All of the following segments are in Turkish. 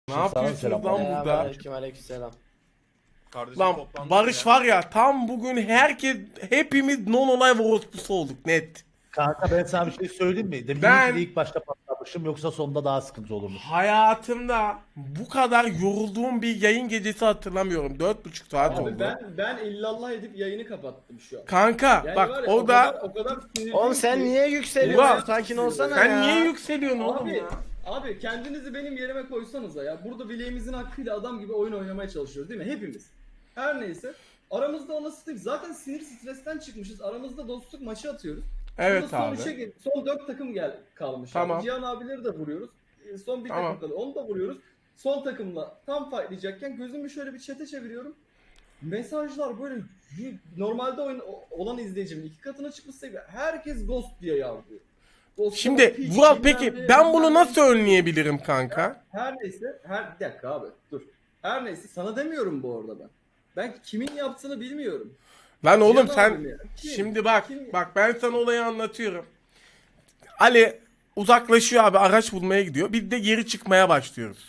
Ne yapıyorsunuz lan burada? Selamünaleyküm, aleykümselam. Kardeşim Lan toplandık Barış ya. var ya tam bugün hepimiz non olay orospusu olduk net. Kanka ben sana bir şey söyleyeyim mi? Demin Ben- de ilk başta patlamışım yoksa sonunda daha sıkıntı olurmuş. Hayatımda bu kadar yorulduğum bir yayın gecesi hatırlamıyorum. 4,5 saat Abi oldu. ben illallah edip yayını kapattım şu an. Kanka Yani bak var ya, orada o kadar sinirliyim Oğlum sen ki- niye yükseliyorsun? Ulan, Sakin olsana sen ya. niye yükseliyorsun oğlum Abi, ya? abi kendinizi benim yerime koysanıza ya. Burada bileğimizin hakkıyla adam gibi oyun oynamaya çalışıyoruz değil mi? Hepimiz. Her neyse. Aramızda o nasıl zaten sinir stresten çıkmışız. Aramızda dostluk maçı atıyoruz. Evet Burada abi. son 4 takım kalmış. Tamam. Abi. Cihan abileri de vuruyoruz. Son bir Tamam. takım kalıyor. Onu da vuruyoruz. Son takımla tam fightlayacakken gözümü şöyle bir chat'e çeviriyorum. Mesajlar böyle normalde olan izleyicimin 2 katına çıkmışsa herkes ghost diye yazıyor. Ghost Şimdi piç, Vural bilmem peki ne, ben bunu bilmem nasıl ne. önleyebilirim kanka? Her neyse, bir dakika abi dur. Her neyse sana demiyorum bu arada ben. Ben kimin yaptığını bilmiyorum. Lan oğlum Cihan sen abim ya. Kim? şimdi bak Kim? ben sana olayı anlatıyorum. Ali uzaklaşıyor abi, araç bulmaya gidiyor. Biz de geri çıkmaya başlıyoruz.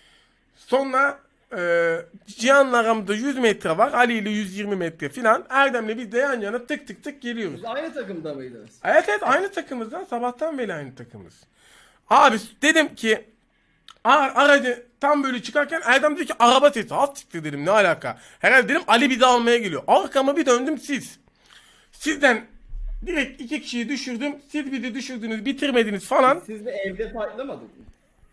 Sonra Cihan'la aramızda 100 metre var. Ali ile 120 metre filan. Erdem'le biz de yan yana tık tık tık geliyoruz. Siz aynı takımda mıydınız? Evet aynı takımız lan. Sabahtan beri aynı takımız. Abi dedim ki aracı tam böyle çıkarken Erdem dedi ki araba sesi. Az siktir dedim, ne alaka? Herhalde dedim Ali bizi almaya geliyor. Arkama bir döndüm, siz. Sizden direkt 2 kişiyi düşürdüm. Siz bizi düşürdünüz, bitirmediniz falan. Siz de evde fightlamadık mı?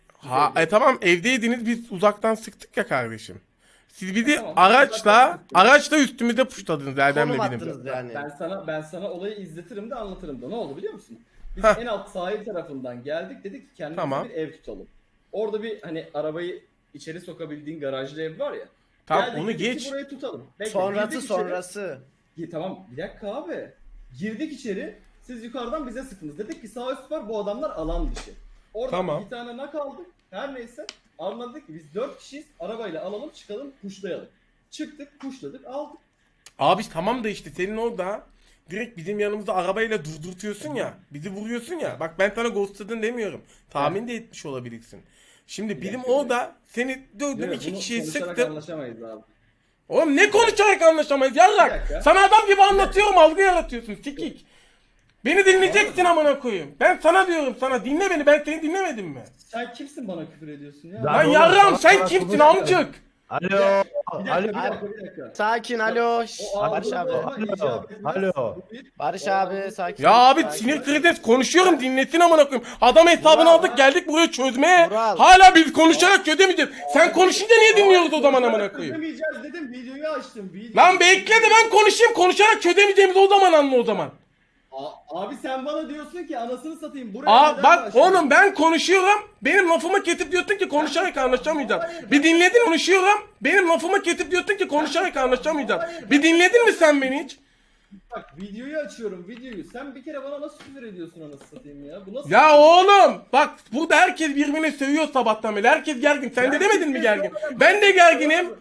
Tamam evdeydiniz, biz uzaktan sıktık ya kardeşim. Siz bizi Tamam, araçla üstümüze puşladınız Erdem'le Konum benim. attınız yani. Ben sana olayı izletirim de anlatırım da. Ne oldu biliyor musun? Biz Heh. en alt sahil tarafından geldik, dedik ki kendimize Tamam. bir ev tutalım. Orada bir hani arabayı içeri sokabildiğin garajlı ev var ya. Tamam, Geldik, onu dedik ki geç. burayı tutalım. Bekle, Sonrası girdik içeri. sonrası. Tamam bir dakika abi. Girdik içeri. Siz yukarıdan bize sıktınız. Dedik ki sağ üst var, bu adamlar alan dışı. Orada Tamam. bir tane nak aldık. Her neyse. Anladık ki biz 4 kişiyiz. Arabayla alalım, çıkalım, pushlayalım. Çıktık, pushladık, aldık. Abi tamam da işte senin orada direkt bizim yanımızda arabayla durdurtuyorsun ya. Bizi vuruyorsun ya. Bak ben sana ghostladın demiyorum. Tahmin de etmiş olabilirsin. Şimdi bizim dakika. orada seni dövdüm, Değil mi? 2 Bunu kişiyi konuşarak sıktım. anlaşamayız abi. Oğlum ne konuşarak anlaşamayız Bir yarrak. dakika. Sana adam gibi anlatıyorum, algı yaratıyorsun sikik. Beni dinleyeceksin amına koyayım. Ben sana diyorum, sana dinle beni, ben seni dinlemedim mi? Sen kimsin bana küfür ediyorsun ya? Lan oğlum, yarram sana- sen sana kimsin konuş- amcık? Alo. Bir dakika, Alo. bir dakika, bir dakika. Sakin alo. Şşş, O Barış abi. algılama icap etmez. Alo. Bu bir- Barış o abi algı- sakin. Ya abi sakin. sinir kriz konuşuyorum, dinlesin amına koyayım. Adam hesabını Vural, aldık, geldik buraya çözmeye. Vural. Hala biz konuşarak çözemeyeceğiz. Sen konuşunca niye dinliyoruz o zaman amına koyayım? Çözemeyeceğiz dedim, videoyu açtım. Lan bekle de ben konuşayım, konuşarak çözemeyeceğimizi o zaman anla o zaman. Abi sen bana diyorsun ki anasını satayım. Buraya neden Bak başladın? oğlum ben konuşuyorum, benim lafımı kesip diyorsun ki konuşarak anlaşamayacağız. Hayır, Bir dinledin mi? Konuşuyorum, benim lafımı kesip diyorsun ki konuşarak anlaşamayacağız. Bir dinledin mi sen beni hiç? Bak videoyu açıyorum, videoyu. Sen bir kere bana nasıl küfür ediyorsun anasını satayım ya? Bu nasıl? Ya oğlum bak burada herkes birbirine sövüyor sabahtan beri. Herkes gergin. Sen de demedin mi gergin? Ben de gerginim.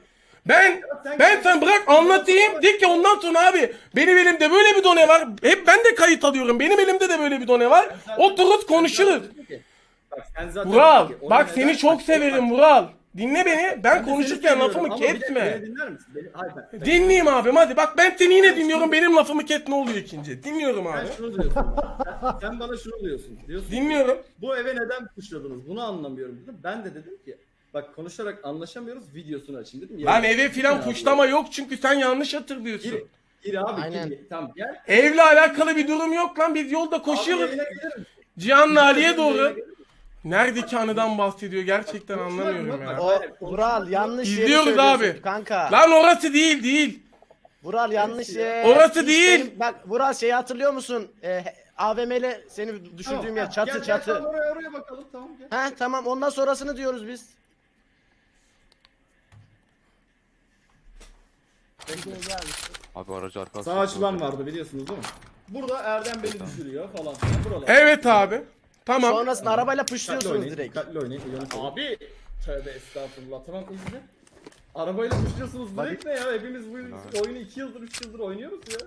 Ben sen bırak anlatayım. De ki ondan sonra abi benim elimde böyle bir done var. Hep ben de kayıt alıyorum. Benim elimde de böyle bir done var. Otururuz konuşuruz. Bak sen zaten Vural dedin ki, bak ona seni neden çok başladın? severim Vural. Dinle beni. Ben Ben de seni konuşurken seviyorum lafımı ama bir dakika, kesme. beni dinler misin? Hayır, ben Dinleyeyim abim hadi. Bak ben seni yine dinliyorum. Benim lafımı kes, ne oluyor ikinci? Dinliyorum abi. şunu diyorsun. Sen bana şunu diyorsun. Diyorsun ki, Dinliyorum. bu eve neden puşladınız? Bunu anlamıyorum dedim. Ben de dedim ki bak konuşarak anlaşamıyoruz, videosunu açayım dedim. Lan Ya, eve filan gir puşlama yok çünkü sen yanlış hatırlıyorsun. Gir, gir abi Aynen. gir. Tamam gel. Evle alakalı bir durum yok lan. Biz yolda Abi koşuyoruz. yayına gelirim. Cihan'la Ali'ye doğru. Yayına gelirim. Neredeki anıdan bahsediyor gerçekten anlamıyorum ya. O Vural yanlış yeri İzliyoruz söylüyorsun abi. kanka. Lan orası değil. Vural yanlış yer. Orası Hiç değil. benim- Bak Vural şeyi hatırlıyor musun? AVM'le seni düşürdüğüm Tamam, yer çatı gel, çatı. Gel, oraya bakalım tamam gel. Ha tamam ondan sonrasını diyoruz biz. Abi aracı arkası. Sağ açılan vardı biliyorsunuz değil mi? Burada Erdem beni düşürüyor falan. Buralar. Evet abi. Tamam. Sonrasında arabayla Dikkatli pışlıyorsunuz oynayın, direkt. dikkatli oynayın. Abi tövbe estağfurullah. Tamam izle. Arabayla düşüyorsunuz direkt ne ya? Hepimiz bu oyunu 2 yıldır 3 yıldır oynuyoruz ya.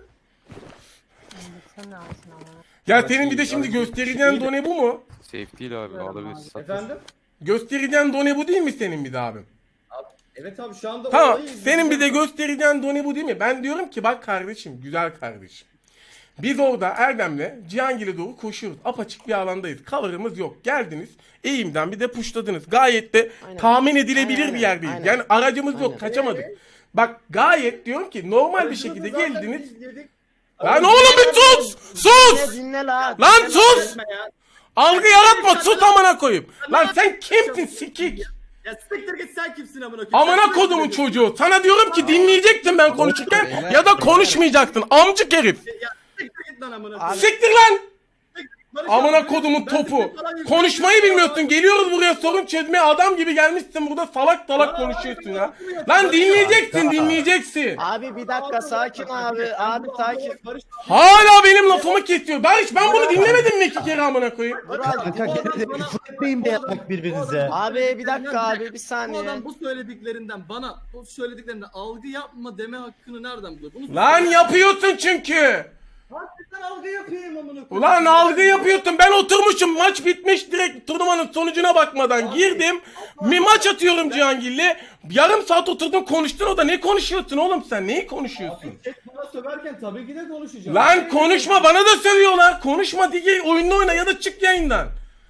Ya senin bir de şimdi göstereceğin done bu mu? Safe değil abi alabilirsin. Efendim? Göstereceğin done bu değil mi senin bir de abim? Evet abi şu anda Tamam. olayı Senin bir de izleyeceğim. göstereceğin done bu değil mi? Ben diyorum ki bak kardeşim, güzel kardeşim. Biz orada Erdem'le Cihangir'e doğru koşuyoruz. Apaçık bir alandayız. Cover'ımız yok. Geldiniz. Eğimden bir de puşladınız. Gayet de Aynen. tahmin edilebilir Aynen, bir yerdeyiz. aynen. Yani aracımız yok. Aynen. Kaçamadık. Bak gayet diyorum ki normal bir Aracımızı şekilde zaten geldiniz. biz yedik. Lan oğlum bir sus! Sus! Dinle la. Lan dinle sus! etme ya. Algı yaratma. Sus amına koyayım. Lan sen kimsin sikik? Ya siktir git sen kimsin amına koyayım? Amına Sen kodumun kimsin? çocuğu. Sana diyorum ki dinleyecektin ben konuşurken ya da konuşmayacaktın. Amcık herif. Ya siktir git lan amına Abi- koyayım. Siktir lan! Barış Amına abi, kodumun ben topu. senin falan Konuşmayı yüzünden- bilmiyorsun. Geliyoruz buraya sorun çözmeye. Adam gibi gelmişsin burada salak salak konuşuyorsun ya. Lan dinleyeceksin, dinleyeceksin. Abi bir dakika sakin abi. Abi sakin. Barış Hala benim lafımı kesiyor. Barış ben bunu dinlemedim mi 2 kere amına koyayım? Vural. Kanka gene de küfür etmeyin de yapmak birbirinize. Abi bir dakika abi bir Bu saniye. adam bu söylediklerinden bana bu söylediklerinden algı yapma deme hakkını nereden buluyor? Bunu Lan yapıyorsun çünkü. Hakikaten algı yapayım amına koyayım. Ulan algı yapıyorsun. Ben oturmuşum. Maç bitmiş. Direkt turnuvanın sonucuna bakmadan girdim. Bir maç atıyorum Cihangir'le. Yarım saat oturdun konuştun, o da ne konuşuyorsun oğlum sen? Neyi konuşuyorsun? Bana söverken tabii ki de konuşacağım. Lan konuşma, bana da sövüyorlar. Konuşma diye oyununu oyna ya da çık yayından.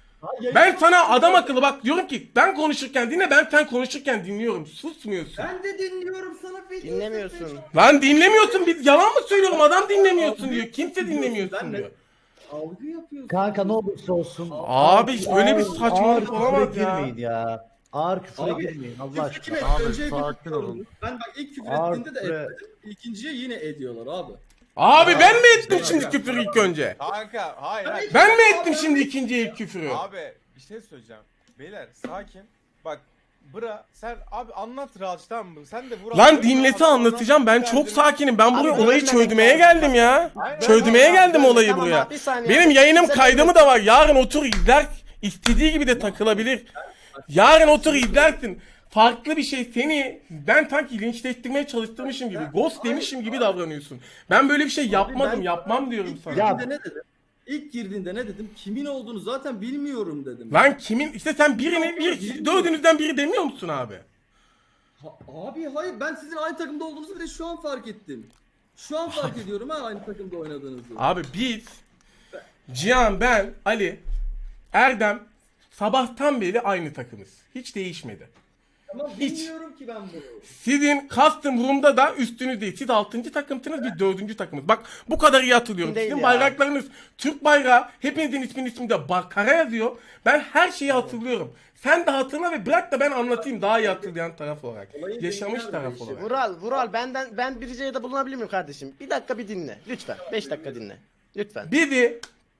Ben sana adam akıllı bak diyorum ki ben konuşurken dinle, ben sen konuşurken dinliyorum. Susmuyorsun. Ben de dinliyorum sana video. Dinlemiyorsun. Lan dinlemiyorsun, biz yalan mı söylüyorum, adam dinlemiyorsun diyor. Kimse dinlemiyorsun diyor. Algı yapıyorsun. Kanka ne olursa olsun. Abi böyle bir Ağır- saçmalık ağır olamaz küfre ya. girmeyin ya. Ağır küfre Abi, girmeyin Allah Küfür kim aşkına. etti? Önce sakin küfür olun. ediyorlar. Ben bak ilk küfür Ağır ettiğinde de küfre- etmedim. İkinciye yine ediyorlar abi. Abi ben mi ettim şimdi küfür ilk önce? Kanka hayır hayır. Ben mi ettim şimdi ikinci ilk küfürü? Abi bir şey söyleyeceğim. Beyler sakin. Bak bıra sen abi anlat Raç tamam mı? Sen de Vural. Lan dinlese anlatacağım, ben çok sakinim. Ben buraya Abi, olayı bölünmemek çözmeye lazım. geldim ya. Aynen. Çözmeye Tamam, geldim abi, olayı tamam buraya. abi, bir saniye. Benim yayınım Sen kaydımı da var. Yarın otur izler. İstediği gibi de takılabilir. Yarın otur izlersin. Farklı bir şey, seni ben sanki linçlettirmeye çalıştırmışım gibi, ghost demişim gibi davranıyorsun. Ben böyle bir şey yapmadım, ben- yapmam diyorum İlk sana. girdiğinde ne dedim? İlk girdiğinde ne dedim? Kimin olduğunu zaten bilmiyorum dedim. Lan kimin, işte sen birini, dördünüzden biri demiyor musun abi? Abi hayır ben sizin aynı takımda olduğunuzu bile şu an fark ettim. Şu an fark ediyorum ha aynı takımda oynadığınızı. Abi biz, Cihan, ben, Ali, Erdem sabahtan beri aynı takımız. Hiç değişmedi. Ama hiç. bilmiyorum ki ben bunu. Sizin custom room'da da üstünüzdeyiz. Siz 6. takımsınız, biz 4. takımız. Bak bu kadar iyi hatırlıyorum. Değil Sizin ya. bayraklarınız Türk bayrağı, hepinizin isminde kara yazıyor. Ben her şeyi hatırlıyorum. Sen de hatırla ve bırak da ben anlatayım daha iyi hatırlayan taraf olarak. Olayı Yaşamış dinler taraf böyle olarak. Vural ben bir ricada bulunabilir miyim kardeşim? Bir dakika bir dinle. Lütfen. 5 dakika dinle. Lütfen. Bizi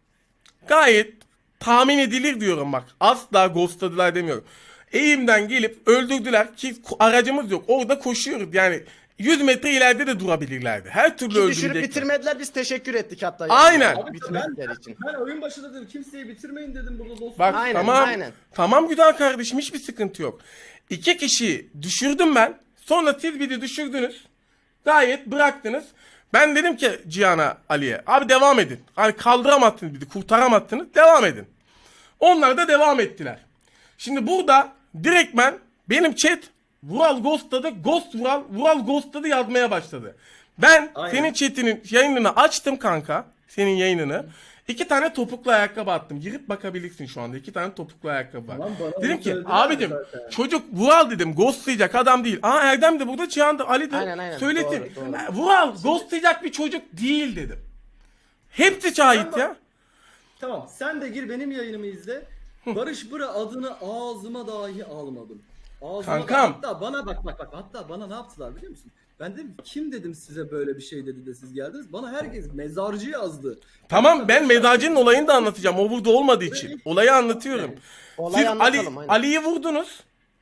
gayet tahmin edilir diyorum bak. Asla ghostladılar demiyorum. Eğimden gelip öldürdüler ki aracımız yok. Orada koşuyoruz yani 100 metre ileride de durabilirlerdi. Her türlü Ki düşürüp öldürecekler. bitirmediler biz teşekkür ettik hatta. Aynen. Abi Bitirmedikleri için. Ben oyun başında dedim kimseyi bitirmeyin dedim burada dostum. Bak Aynen, tamam. aynen. Tamam güzel kardeşim, hiçbir sıkıntı yok. 2 kişiyi düşürdüm ben. Sonra siz biri düşürdünüz. Gayet bıraktınız. Ben dedim ki Cihan'a, Ali'ye abi devam edin. Hani kaldıramazsınız bizi, kurtaramazsınız. Devam edin. Onlar da devam ettiler. Şimdi burada direktmen benim chat Vural ghostladı, ghost Vural, Vural ghostladı yazmaya başladı. Ben Aynen. senin chatinin yayınını açtım kanka. Senin yayınını. 2 tane topuklu ayakkabı attım. Girip bakabilirsin şu anda. 2 tane topuklu ayakkabı var. Lan bana Dedim bunu ki söylediler abicim zaten. çocuk Vural dedim ghostlayacak adam değil. Aa Erdem de burada, Cihan da, Ali de Aynen. söyletin. Doğru. Vural ghostlayacak bir çocuk değil dedim. Hepsi şahit ya. Tamam sen de gir benim yayınımı izle. Barış Bıra adını ağzıma dahi almadım. Ağzıma Kankam. hatta bana bak hatta bana ne yaptılar biliyor musun? Ben dedim kim dedim size böyle bir şey dedi de siz geldiniz. Bana herkes mezarcı yazdı. Tamam, ben mezarcının olayını da anlatacağım. O burada olmadığı için. Olayı anlatıyorum. Olayı Siz anlatalım, aynen. Ali'yi vurdunuz.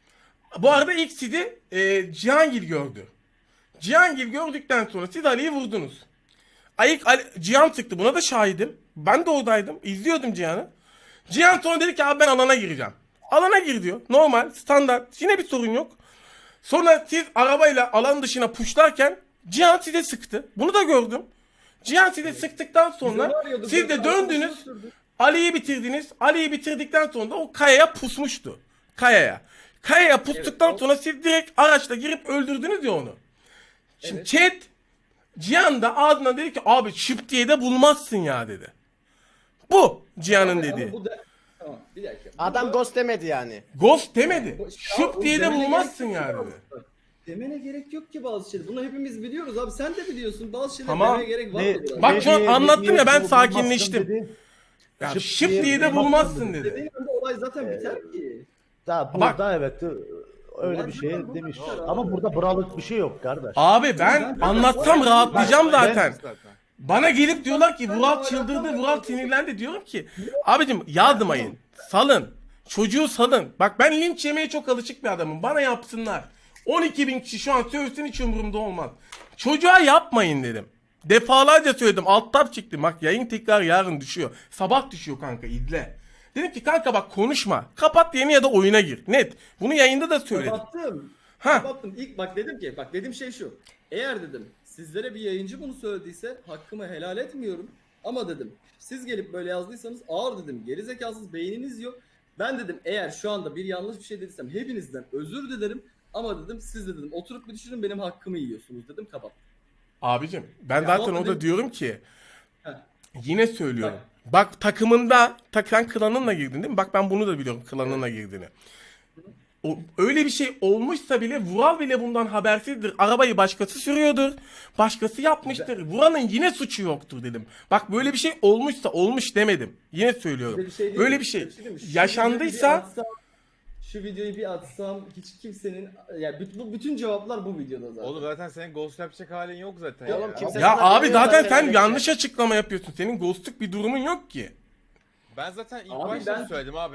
Bu arada ilk sizi Cihangir gördü. Cihangir gördükten sonra siz Ali'yi vurdunuz. Cihan sıktı. Buna da şahidim. Ben de oradaydım. İzliyordum Cihan'ı. Cihan sonra dedi ki abi ben alana gireceğim. Alana gir diyor. Normal, standart. Yine bir sorun yok. Sonra siz arabayla alan dışına puşlarken Cihan size sıktı. Bunu da gördüm. Cihan size sıktıktan sonra arıyorduk, siz de böyle döndünüz. arkadaşlar sürdü. Ali'yi bitirdiniz. Ali'yi bitirdikten sonra da o kayaya pusmuştu. Kaya'ya. Kaya'ya pustuktan Evet, sonra siz direkt araçla girip öldürdünüz ya onu. Şimdi Evet. chat Cihan da ardından dedi ki abi şıp diye de bulmazsın ya dedi. Bu Cihan'ın Abi, dediği. ama bu da... Tamam bir dakika. Adam Bu- ghost demedi yani. Ghost demedi. Bu- Şıp Abi, diye de demene bulmazsın gerek yok ya ki dedi. bazı- Demene gerek yok ki bazı şeyler. Bunu hepimiz biliyoruz abi. Sen de biliyorsun. Bazı şeyler Tamam. demeye gerek var Ne- mı? biraz? Bak şu an ne- anlattım ne- ya, ben ne- sakinleştim. dedi. Ya Şıp şıp diye diye de bulmazsın bulmazsın dedi. dedi. Dediğin anda olay zaten biter ki. Daha Bak- burada evet öyle Olay bir şey zaten demiş. burada. Ama burada buralık bir şey yok kardeş. Abi ben anlatsam rahatlayacağım zaten. Zaten. Bana gelip diyorlar ki Vural çıldırdı, Vural sinirlendi. Diyorum ki abicim yazmayın, salın. Çocuğu salın. Bak ben linç yemeye çok alışık bir adamım. Bana yapsınlar. 12.000 kişi şu an sövsün, hiç umurumda olmaz. Çocuğa yapmayın dedim. Defalarca söyledim. Alt tab çıktı. Bak yayın tekrar yarın düşüyor. Sabah düşüyor kanka, izle. Dedim ki kanka bak konuşma. Kapat yeni ya da oyuna gir. Net. Bunu yayında da söyledim. Kapattım. Ha. Kapattım. İlk bak dedim ki bak dediğim şey şu. Eğer dedim sizlere bir yayıncı bunu söylediyse hakkımı helal etmiyorum. Ama dedim siz gelip böyle yazdıysanız ağır dedim. Gerizekasız beyniniz yok. Ben dedim eğer şu anda bir yanlış bir şey dediysem hepinizden özür dilerim. Ama dedim siz de dedim oturup bir düşünün benim hakkımı yiyorsunuz dedim kapat. Abicim ben Ya zaten ama orada dedim- diyorum ki Heh. yine söylüyorum. Bak takımında sen klanınla girdin değil mi? Bak ben bunu da biliyorum, klanınla girdiğini. Öyle bir şey olmuşsa bile Vural bile bundan habersizdir. Arabayı başkası sürüyordur. Başkası yapmıştır. Vural'ın yine suçu yoktur dedim. Bak böyle bir şey olmuşsa olmuş demedim. Yine söylüyorum. Size bir şey değil Öyle mi? bir şey değil mi? Şu yaşandıysa videoyu bir atsam, şu videoyu bir atsam hiç kimsenin yani bütün cevaplar bu videoda zaten. Oğlum zaten senin ghost yapacak halin yok zaten. Ya ya. oğlum kimse- ya sana abi biliyor zaten zaten sen öyle bir yanlış şey. açıklama yapıyorsun. Senin ghostluk bir durumun yok ki. Ben zaten ilk Abi başta ben- söyledim abi.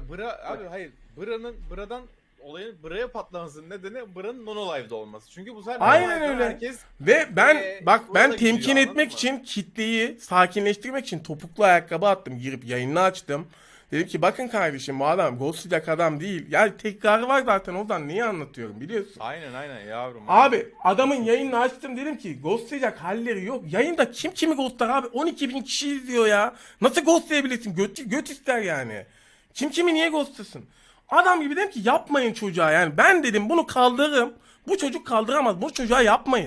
Abi hayır. Bıra'dan olayın Bıra'ya patlamasının nedeni Bıra'nın non live'da olması. Çünkü bu sefer Aynen non live'da öyle. herkes Ve ben bak ben burada temkin gidiyor, etmek anladın mı? için kitleyi sakinleştirmek için topuklu ayakkabı attım, girip yayını açtım. Dedim ki bakın kardeşim bu adam ghostlayacak adam değil. Yani tekrarı var zaten, oradan neyi anlatıyorum biliyorsun. Aynen yavrum. Abi adamın yayını açtım, dedim ki ghostlayacak halleri yok. Yayında kim kimi ghostlar abi, 12.000 kişi izliyor ya. Nasıl ghostlayabilirsin, göt ister yani. Kim kimi niye ghostlasın? Adam gibi dedim ki yapmayın çocuğa, yani ben dedim bunu kaldırırım. Bu çocuk kaldıramaz, bu çocuğa yapmayın.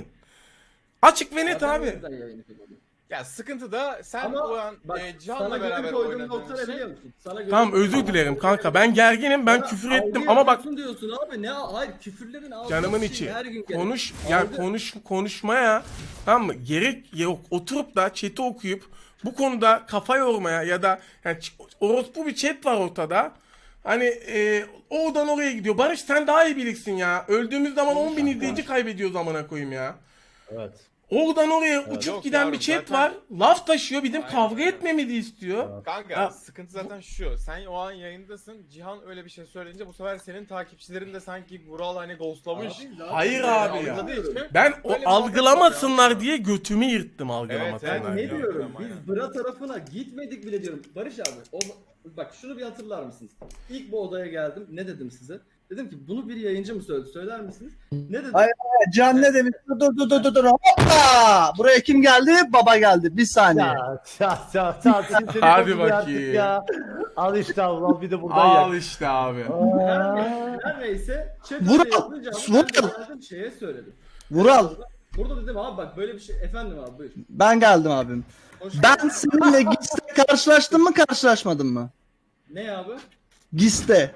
Açık ve net Zaten o abi. yüzden yayını kapadım. Ya sıkıntı da sen Ama o an bak Cihan'la sana beraber göre koyduğum oynadığın nokta ne şey. biliyor musun? Sana göre Tamam özür dilerim kanka, ben gerginim, ben Bana küfür algı ettim ama bak yapıyorsun diyorsun abi ne hayır küfürlerin ağzı canımın şey içi her gün gelir. konuş yani Algı- konuşmaya, tamam mı, gerek yok, oturup da chat'i okuyup bu konuda kafa yormaya ya da yani orospu bir chat var ortada. Hani oradan oraya gidiyor. Barış sen daha iyi bilirsin ya. Öldüğümüz zaman 10.000 izleyici kaybediyoruz amına koyayım ya. Evet. Oradan oraya uçup Yok giden yavrum, bir chat zaten- var. Laf taşıyor, bizim Aynen kavga öyle. etmemizi istiyor. Kanka Ha, sıkıntı zaten şu. Sen o an yayındasın. Cihan öyle bir şey söyleyince bu sefer senin takipçilerin de sanki Vural hani ghostlamış. Abi zaten Hayır ben abi ya. anladım. Ben o Öyle bir algılamasınlar muhabbet diye götümü yırttım algılamasınlar Ben ne diye. diyorum? Aynen. Biz Bıra tarafına gitmedik bile diyorum. Barış abi, bak şunu bir hatırlar mısınız? İlk bu odaya geldim. Ne dedim size? Dedim ki bunu bir yayıncı mı söyledi? Söyler misiniz? Ne dedim? Hayır, Can ne demiş? Dur. Hoppa! Buraya kim geldi? Baba geldi. Bir saniye. Ya, sinirleri Hadi bozuluyor artık bakayım. ya. Al işte Allah bir de buradan Al yak. işte abi. Her neyse. Chat Vural, öyle yapınca abi Vural. ben de geldim şeye söyledim. Vural, Burada dedim abi bak böyle bir şey. Efendim abi buyur. ben geldim abim. Hoş Ben geldin. seninle GİS'te karşılaştım mı karşılaşmadım mı? Ne abi? GİS'te.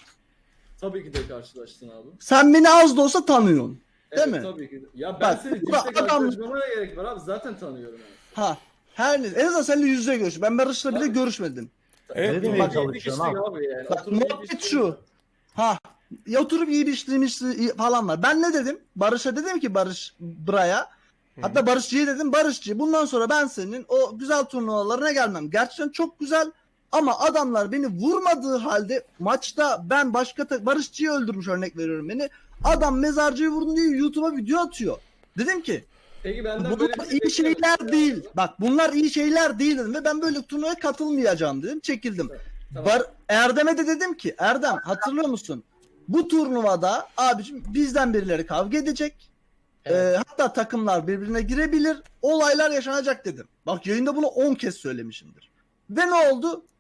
Tabii ki de karşılaştın abi. Sen beni az da olsa tanıyorsun. Evet, Değil mi? Tabii ki de. Ya ben Bak, seni burada cidden adam- karşılaşmama gerek var abi. Zaten tanıyorum abi. Ha. Her neyse. En azından seninle yüz yüze görüştüm. Ben Barış'la bile Tabii. görüşmedim. Evet, Ne demeye Bak, çalışıyorsun yedi abi? kişilik abi yani. Bak Oturup muhabbet yedi şu. Ha. Ya oturup iyi bir işlemişti falan var. Ben ne dedim? Barış'a dedim ki Barış Bra'ya. Hatta Barışçı'ya dedim Barışçı bundan sonra ben senin o güzel turnuvalarına gelmem. Gerçekten çok güzel ama adamlar beni vurmadığı halde maçta ben Barışçı'yı öldürmüş örnek veriyorum beni. Adam mezarcıyı vurdum diye YouTube'a video atıyor. Dedim ki Peki benden böyle bunlar bir şey iyi şeyler beklemiyordum. değil. Bak bunlar iyi şeyler değil dedim ve ben böyle turnuvaya katılmayacağım dedim. Çekildim. Tamam. Erdem'e de dedim ki Erdem hatırlıyor musun? Bu turnuvada abicim bizden birileri kavga edecek. Evet. Hatta takımlar birbirine girebilir. Olaylar yaşanacak dedim. Bak yayında bunu 10 kez söylemişimdir. Ve ne oldu?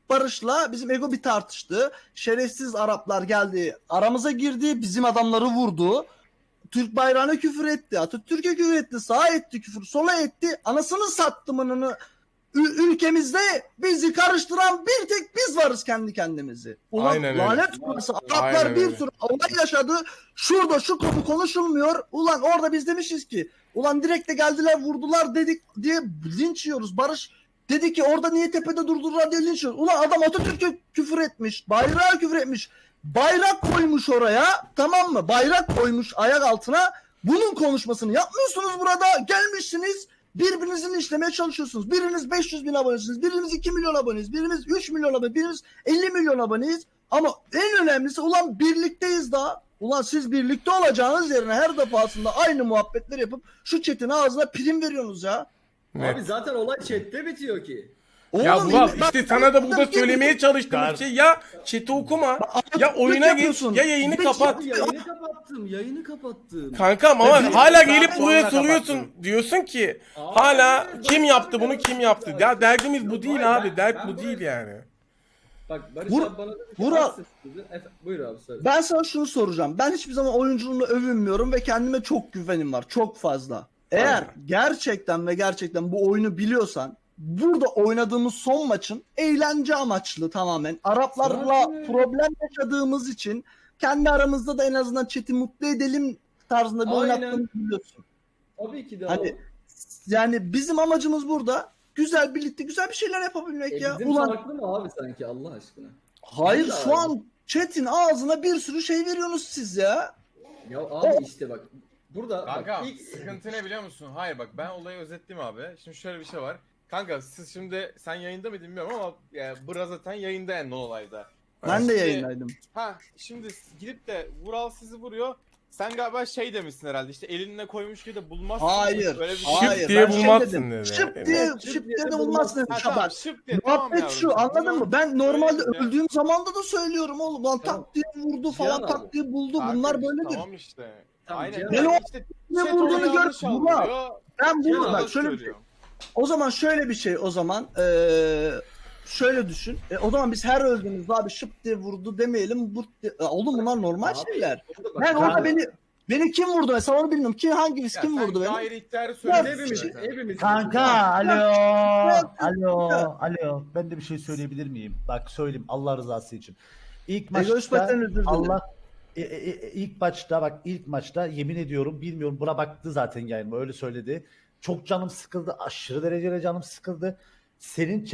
Barış'la bizim ego bir tartıştı. Şerefsiz Araplar geldi, aramıza girdi, bizim adamları vurdu. Türk bayrağına küfür etti, Atatürk'e küfür etti, sağa etti küfür, sola etti. Anasını sattımını ülkemizde bizi karıştıran bir tek biz varız kendi kendimizi. Ulan Aynen öyle. lanet olası Araplar Aynen bir öyle. sürü olay yaşadı. Şurada şu konu konuşulmuyor. Ulan orada biz demişiz ki ulan direkt de geldiler vurdular dedik diye linç yiyoruz. Barış dedi ki orada niye tepede durdurdular diye linç yiyoruz. Ulan adam Atatürk'e küfür etmiş. Bayrağa küfür etmiş. Bayrak koymuş oraya, tamam mı? Bayrak koymuş ayak altına. Bunun konuşmasını yapmıyorsunuz burada. Gelmişsiniz birbirinizin işlemeye çalışıyorsunuz. Biriniz 500 bin abonesiniz. Biriniz 2 milyon aboneyiz. Biriniz 3 milyon abone. Biriniz 50 milyon aboneyiz. Ama en önemlisi ulan birlikteyiz daha. Ulan siz birlikte olacağınız yerine her defasında aynı muhabbetler yapıp şu chat'in ağzına prim veriyorsunuz ya. Evet. Abi zaten olay chatte bitiyor ki. Ya Oğlum, Vural bak- işte sana da burada bak- söylemeye çalıştığımız şey ya chat'i okuma ya oyuna geç yapıyorsun. ya yayını Bir- kapat. Abi yayını kapattım. Kankam ama Ve hala bir gelip saat buraya sonra soruyorsun. kapattın. Diyorsun ki Abi, hala ben kim yaptı bunu böyle kim bir yaptı? şey Ya var. derdimiz bu değil Hayır, abi. Dert ben bu değil böyle- yani. Bak Barış Vur- abi bana dedi ki Vural- "Aksız" dedi. Buyur abi söyle. Ben sana şunu soracağım. Ben hiçbir zaman oyunculuğumla övünmüyorum ve kendime çok güvenim var. Çok fazla. Eğer Aynen. gerçekten ve gerçekten bu oyunu biliyorsan burada oynadığımız son maçın eğlence amaçlı tamamen. Araplarla Zaten- problem yaşadığımız için kendi aramızda da en azından chat'i mutlu edelim tarzında bir Aynen. oynattığımızı biliyorsun. Tabii ki de Hani abi. yani bizim amacımız burada güzel birlikte güzel bir şeyler yapabilmek ya. Bizim Ulan farklı mı abi sanki Allah aşkına? hayır Değil şu abi. an chat'in ağzına bir sürü şey veriyorsunuz siz ya. Ya abi işte bak. Burada Kanka bak, ilk sıkıntı ne biliyor musun? Hayır bak ben olayı özetleyeyim abi. Şimdi şöyle bir şey var. Kanka siz şimdi sen yayında mıydın bilmiyorum ama Bra zaten yayında en olayda. Ben de Şimdi- yayındaydım. Ha şimdi gidip de Vural sizi vuruyor. Sen galiba şey demişsin herhalde işte elinle koymuş gibi de bulmazsın. Hayır. Öyle bir şey. Hayır. Şıp diye ben şey bulmazsın dedim. dedi. Şıp diye, Evet, şıp diye de bulmazsın dedim. Ha, Şabak. tamam, şıp diye, tamam Muhabbet yavrum. şu anladın mı? Ben normalde Öyle işte. öldüğüm zamanda da söylüyorum oğlum. Lan Tamam. tak diye vurdu falan Cihan tak abi. diye buldu. Kanka Bunlar işte, böyledir. Tamam işte. Tamam, Aynen. Cihan abi. işte Ne chat vurduğunu onu gör, yanlış Vural. algılıyor. Ben Cihan bunu abi bak şöyle bir şey. söylüyor. O zaman şöyle bir şey o zaman. Şöyle düşün. O zaman biz her öldüğümüzde abi şıp diye vurdu demeyelim. Oğlum bunlar normal Abi, şeyler. orada bak, Ben orada Cihan- beni kim vurdu mesela onu bilmiyorum. Hangisi Ya kim sen vurdu beni? Daire ihtiyarı söyledin Hepimiz, zaten. hepimiz. Kanka alo. Ya. Alo. Ben de bir şey söyleyebilir miyim? Bak söyleyeyim Allah rızası için. İlk Egoist maçta Batman özür dilerim. Allah ilk maçta yemin ediyorum bilmiyorum buna baktı zaten yayınıma öyle söyledi. Çok canım sıkıldı. Aşırı derecede canım sıkıldı. Senin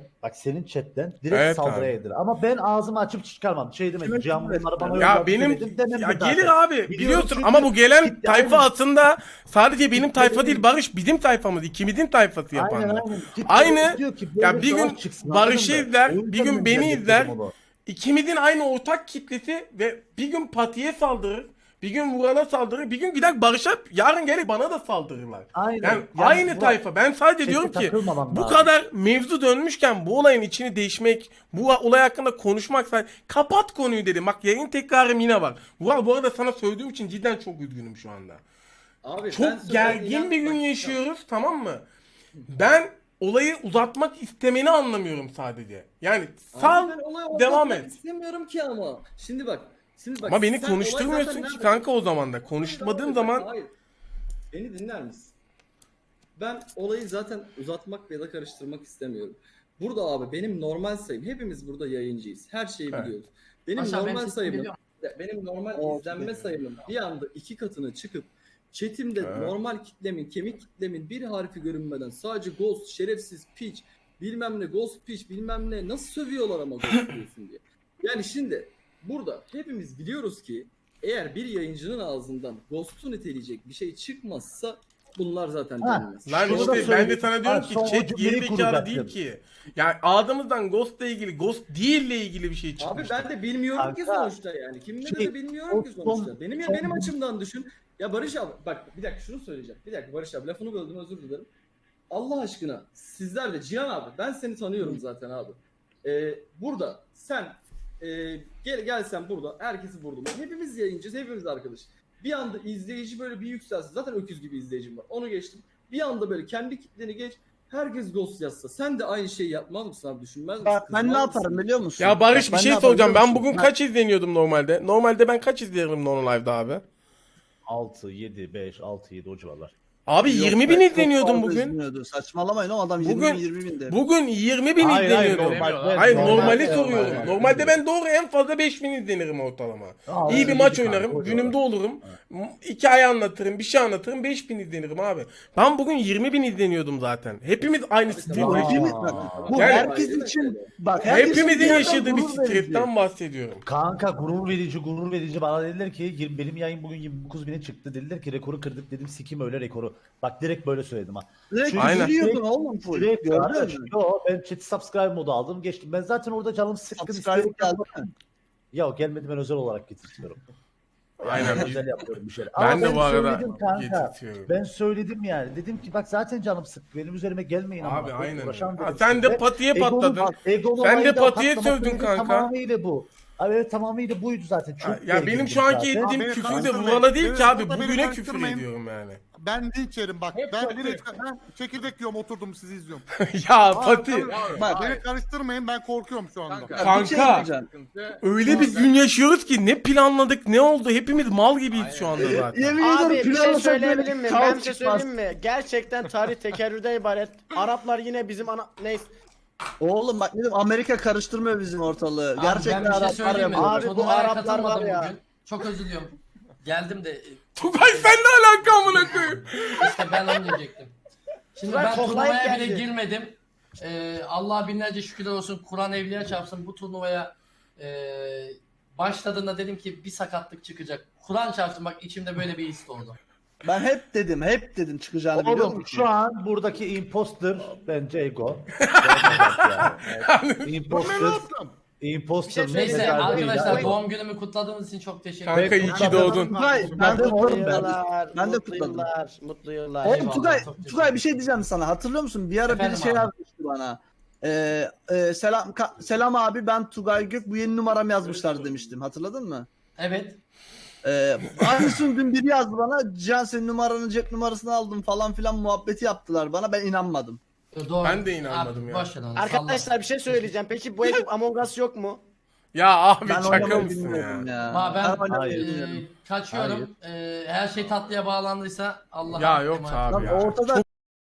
chatten direkt Evet saldırıya abi. yediler. Ama ben ağzımı açıp çıkarmam. Şey demedim. Evet, Cihan evet. bunları bana Ya yolladı benim demedim, demem ya de zaten. gelir abi Biliyorum biliyorsun çünkü ama bu gelen kitle tayfa aynı. aslında sadece benim tayfa benim. değil Barış bizim tayfamız ikimizin tayfası yapanlar. Aynen. Kitle Aynı- diyor ki ya böyle bir gün savaş çıksın, Barış'ı anladın mı? izler, O yüzden bir gün ben beni getirdim izler. onu. İkimizin aynı ortak kitlesi ve bir gün Pati'ye saldırır, bir gün Vural'a saldırır, bir gün gider Barış'a yarın gelir bana da saldırırlar. Aynen. Yani aynı tayfa. Ben sadece Çete diyorum ki takılmaman bu lazım. kadar mevzu dönmüşken bu olayın içini değişmek, bu olay hakkında konuşmak kapat konuyu dedim. Bak yayın tekrarım yine var. Vural bu arada sana söylediğim için cidden çok üzgünüm şu anda. Abi, ben Çok söylediğim gergin inan- bir gün bak, yaşıyoruz tamam mı? Ben olayı uzatmak istemeni anlamıyorum sadece. Yani Abi sal ben olaya devam odaklanmak et. İstemiyorum ki ama. Şimdi bak. Ama beni sen olay konuşturmuyorsun zaten ki nerede- kanka o zaman da. Hayır, Konuşmadığım hayır, zaman hayır. Beni dinler misin? Ben olayı zaten uzatmak ya da karıştırmak istemiyorum. Burada abi benim normal sayım. Hepimiz burada yayıncıyız. Her şeyi Evet. biliyoruz. Benim Aşağı ben normal sesimi sayımım, biliyorum. benim normal Oh, izlenme be. sayımım bir anda 2 katına çıkıp chatimde Evet. normal kitlemin, kemik kitlemin bir harfi görünmeden sadece ghost, şerefsiz, piç, bilmem ne, ghost piç, bilmem ne nasıl sövüyorlar ama ghost diyorsun diye. Yani şimdi burada hepimiz biliyoruz ki eğer bir yayıncının ağzından ghost'u niteleyecek bir şey çıkmazsa bunlar zaten Ha. denmez. lan Şunu da işte ben de söyleyeyim. sana diyorum Ha, ki son o chat cümleyi geri zekalı değil kuracaktım. ki. Yani ağzımızdan Ghost'la ilgili, Ghost değille ilgili bir şey Abi çıkmış. ben de bilmiyorum ki Kanka, sonuçta yani. Kimle şey, de bilmiyorum ki o sonuçta. son- Benim son- benim açımdan düşün. Ya Barış abi bak bir dakika şunu söyleyeceğim. Bir dakika Barış abi lafını böldüm özür dilerim. Allah aşkına sizler de Cihan abi ben seni tanıyorum zaten abi. Burada sen gelsen burada herkesi vurdum. Hepimiz yayıncıyız, hepimiz arkadaş. Bir anda izleyici böyle bir yükselsin. Zaten öküz gibi izleyicim var. Onu geçtim. Bir anda böyle kendi kitleni geç. Herkes ghost yazsa sen de aynı şeyi yapmaz mısın abi, düşünmez misin? Bak ben ne Kızmaz mısın? yaparım biliyor musun? Ya Barış Bak, bir ben şey ne yaparım soracağım. biliyor Ben musun? bugün kaç izleniyordum normalde? Normalde ben kaç izlerim Nono Live'da abi? 6, 7, 5, 6, 7 o civarlar. Abi Yok 20 be, bin çok izleniyordum fazla bugün. izleniyordu. Saçmalamayın o adam Bugün- 20 bin de. Bugün 20 bin Hayır, hayır, izleniyordum. normal- Hayır normal- normali normal- soruyorum. normal. Normalde ben doğru en fazla 5000 izlenirim ortalama. Aa, İyi bir iyi maç bir kanka, oynarım. o Günümde civarlar. olurum. Hikaye anlatırım. Bir şey anlatırım. 5000 izlenirim abi. Ben bugün 20 bin izleniyordum zaten. Hepimiz aynı Bu stream'de. hepimiz bu Yani- herkes için bak herkesin Hepimizin bir yerden yaşadığı bir gurur verici. stretten bahsediyorum. Kanka gurur verici bana dediler ki benim yayın bugün 29 bine çıktı, dediler ki rekoru kırdık, dedim sikim öyle rekoru. Bak direkt böyle söyledim ha. Direkt Aynen. yürüyordun oğlum full. Direkt Gördün kardeş, mü? yo ben chat subscribe modu aldım geçtim. Ben zaten orada canım sıkkın Subscribe istedim. geldi mi? Ya gelmedi, ben özel olarak getirtiyorum. Aynen. Ben özel yapıyorum bir şeyler. Ben Ama de bu arada söyledim kanka. getirtiyorum. Ben söyledim yani. Dedim ki bak zaten canım sık. Benim üzerime gelmeyin ama. Abi aynen. Uğraşan Ha, dedim sen size. de patiye Egolu patladın. bak, egolu Sen de olayı da patiye patlamak sövdün sebebi kanka. Tamamıyla bu. Abi evet tamamıyla buydu zaten. Çok Ya benim gergindim şu anki zaten. ettiğim Abi, küfür de karıştırmayın. vurana değil ki abi. Burada beni Bugüne küfür karıştırmayın. ediyorum yani. Ben linç yerim bak. Hep Ben Fatih. çekirdek yiyorum, oturdum sizi izliyorum. Ya Fatih. Bak, Beni karıştırmayın, ben korkuyorum şu anda. Kanka. Bir şey diyeceğim. Öyle bir gün yaşıyoruz ki ne planladık ne oldu hepimiz mal gibiyiz şu anda zaten. Yemin Abi ederim bir şey planlasak söyleyebilir miyim? kaos Ben bir şey çıkmaz. söyleyeyim mi? Gerçekten tarih tekerrürden ibaret. Araplar yine bizim neyse. Oğlum bak dedim Amerika karıştırmıyor bizim ortalığı. Abi Gerçekten ben bir şey Araplar söyleyeyim mi? yapıyor. Abi bu Turnuvaya Araplar katılmadım var ya. bugün. Çok özür diliyorum. Geldim de Tugay sen ne alaka amına koyayım? işte ben onu diyecektim. Şimdi Tugay ben koklayıp turnuvaya bile geldi. girmedim. Allah'a binlerce şükürler olsun. Kur'an evliya çarpsın. Bu turnuvaya başladığında dedim ki bir sakatlık çıkacak. Kur'an çarpsın, bak içimde böyle bir his oldu. Ben hep dedim çıkacağını biliyor Oğlum musun? şu an buradaki imposter bence ego. Imposter. Imposter. Bir şey Neyse söyleyeceğim. arkadaşlar Ya. doğum günümü kutladığınız için çok teşekkür Kanka ederim. iyi ki doğdun. Tugay ben Kutladım oğlum kutladım. Yıllar, Ben de mutlu kutladım. yıllar, mutlu yıllar. Oğlum Eyvallah, Tugay, çok teşekkür Tugay bir şey diyeceğim sana. Hatırlıyor musun? Bir ara Efendim biri şey abi. yazmıştı bana. Selam abi ben Tugay Gök, bu yeni numaram yazmışlar demiştim. Hatırladın mı? Evet. Aynısını dün biri yazdı bana. Cihan senin numaranı cep numarasını aldım falan filan muhabbeti yaptılar bana. Ben inanmadım. Doğru. Ben de inanmadım Abi, ya. boş ver onu, Arkadaşlar bir şey söyleyeceğim. Peki bu ekip Among Us yok mu? Ya abi Ben şaka oynamayı mısın bilmiyorum ya? ya. Ama ben oynamayı Hayır. bilmiyorum. kaçıyorum. Her şey tatlıya bağlandıysa Allah Ya yok abi Lan ya. ortada